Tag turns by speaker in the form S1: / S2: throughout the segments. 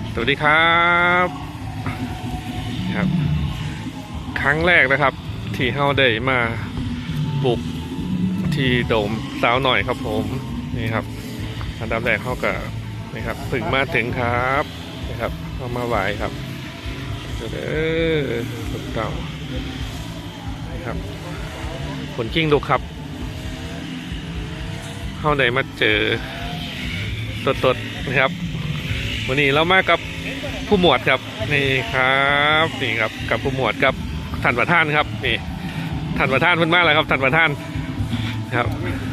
S1: สวัสดีครับครับครั้งแรกนะครับที่เฮาได้มาบุกที่โดมสาวหน่อยครับผมนี่ครับอันดับแรกเขาก็นี่ครับถึงมาถึงครับนี่ครับเข้ามาไหวครับถูกต้องนี่ครับผลกิ้งดูครับเฮาได้มาเจอสดๆนะครับวันนี้เรามากับผู้หมวดครับนี่ครับนี่ครับกับผู้หมวดกับท่านประธานครับนี่ท่านประธานเพิ่นมาแล้วครับท่านประธานครับ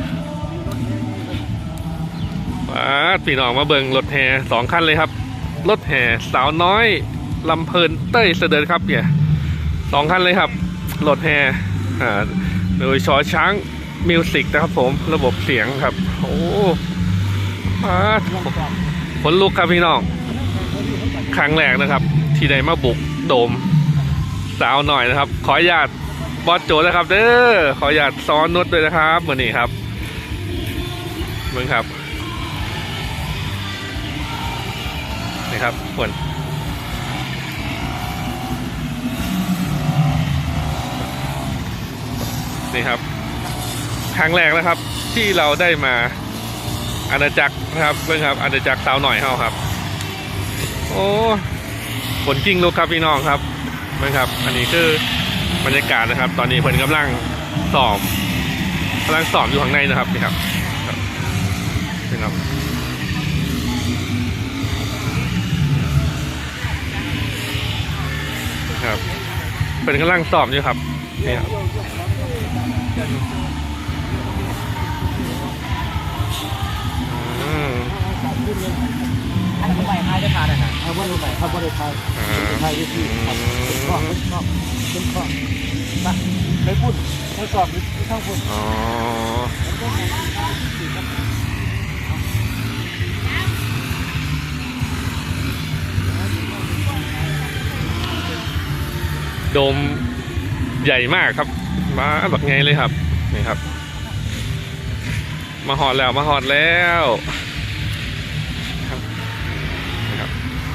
S1: พี่น้องมาเบิ่งรถแห่2 คันเลยครับรถแห่สาวน้อยลำเพลินเต้ยเสด็จครับเนี่ย2 คันเลยครับรถแห่โดยชอช้างมิวสิกนะครับผมระบบเสียงครับโอ้ขนลุกครับพี่น้องครั้งแรกนะครับที่ได้มาบุกโดมสาวหน่อยนะครับขออนุญาตบอสโจนะครับเด้อขออนุญาตซ้อนนุชด้วยนะครับวันนี้ครับมึงครับนี่ครับฝนนี่ครับครั้งแรกนะครับที่เราได้มาอาณาจักรนะครับเรื่องครับอาณาจักรสาวหน่อยเฮาครับโอ้ฝนจริงลูกครับพี่น้องครับเรื่องครับอันนี้คือบรรยากาศนะครับตอนนี้เพิ่นกำลังซ้อมอยู่ข้างในนะครับนี่ครับนี่ครับเป็นกำลังซ้อมอยู่ครับนี่ครับ
S2: อันนี้ไปท้ายได้ทานนะเอาบนไปเอาบนท้ายท้ายที่ครับข้อขึ้นข้อมาไปพูดไปสอบไปเข้าพูด
S1: อ๋อโดมใหญ่มากครับมาแบบไงเลยครับนี่ครับมาหอดแล้วครับนะครับ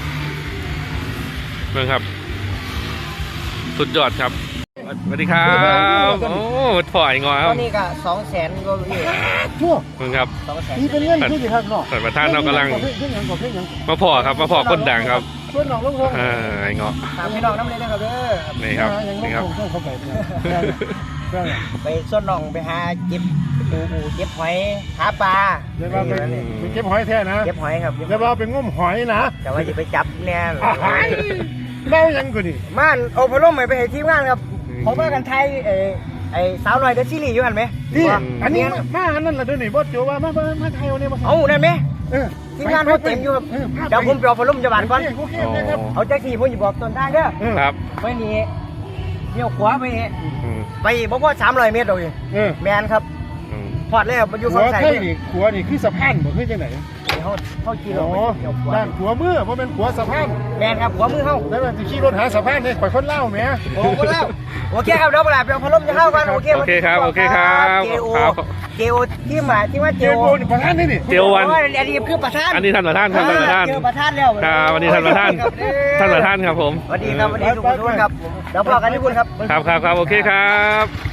S1: เบิ่งครับสุดยอดครับสวัสดีครับโอ้ถอยงอครับ
S2: ตอนนี้ก็200,000ก็พี่
S1: เบิ่งครับ
S2: 200,000
S3: นี่เป็นเรื่องที่ดีครับเนาะ
S1: ท่านประธานเรากำลังมาพอครับมาพอคนดังครับ
S3: ส่วนน้องลุงพงษ์
S1: ไอ้เงาะ
S2: ตามพี่น้องน้ำเลยนะครับเด้อ
S1: นี่ครับนี่ครับ
S3: เข้าไป
S2: ไปส่วนน้องไปหาเก็บปูเก็บหอยหาปลา
S3: เดี๋ยวเราไปเก็บหอยแท้นะ
S2: เก็บหอยครับ
S3: เดี๋ยวเราไปงมหอยนะ
S2: แต่ว่าจะไปจับเนี่ย
S3: เล่ายังกูนี่
S2: ม่านโอพาร่มไปให้ทีมงานครับเขาว่ากันไทยไอ้สาวหน่อยเดอะซีรีส์อยู่หันไหม
S3: นี่อันนี้มาอันนั้นแหละด้วยนี่บอสโจว่ามาไทยวันนี้มา
S2: เอาได้ไหมทีมงานเขาเต็มอยู่ครับเดี๋ยวผมไปเอาพาร่มจะบานก่อน
S3: โอเคครับ
S2: เอาแจ็คซี่ผมจะบอกต้นทางเด้อ
S1: ครับ
S2: ไปนี่เลี้ยวขวาไปนี่ไปบ่พอ300 เมตรดอกนี่แมนครับพอดแล้วมันอยู่
S3: หั
S2: ฝั่
S3: ว
S2: งซ้าย
S3: ไทยนี่ขัวนี่คือสะพานบ่คือจังไหน
S2: เขาขี่ร
S3: อ๋
S2: ถ
S3: อ
S2: ไปเลี้ยวขวา
S3: ด้านขัวมือเพราะเป็นขัวสะพาน
S2: แมนครับขวามือเฮา
S3: แล้วมันจะขี่รถหาสะพานเนี่ยข่อยคนเล่าแหม
S2: โอ้คนแล้วโอเคครับเดี๋ยวเวลาไปเอาพัดลมจะเข้ากันโอเค
S1: โอเคครับโอเคครับ
S2: เจโอที่มาที่ว่าเจ
S3: เจ้า
S2: โอ
S3: โบนี่ประธานนี่
S1: เจียววัน
S2: อันนี้คือประธาน
S1: อันนี้ท่านประธานครับท่านประธาน
S2: เจอประธานแล้ว
S1: ครับวันนี้ท่านประธานท่านประธานครับผม
S2: สวัสดีครับสวัสดีทุกคนครับเดี๋ยวพอกันที่คุณครับ
S1: ครับโอเคครับ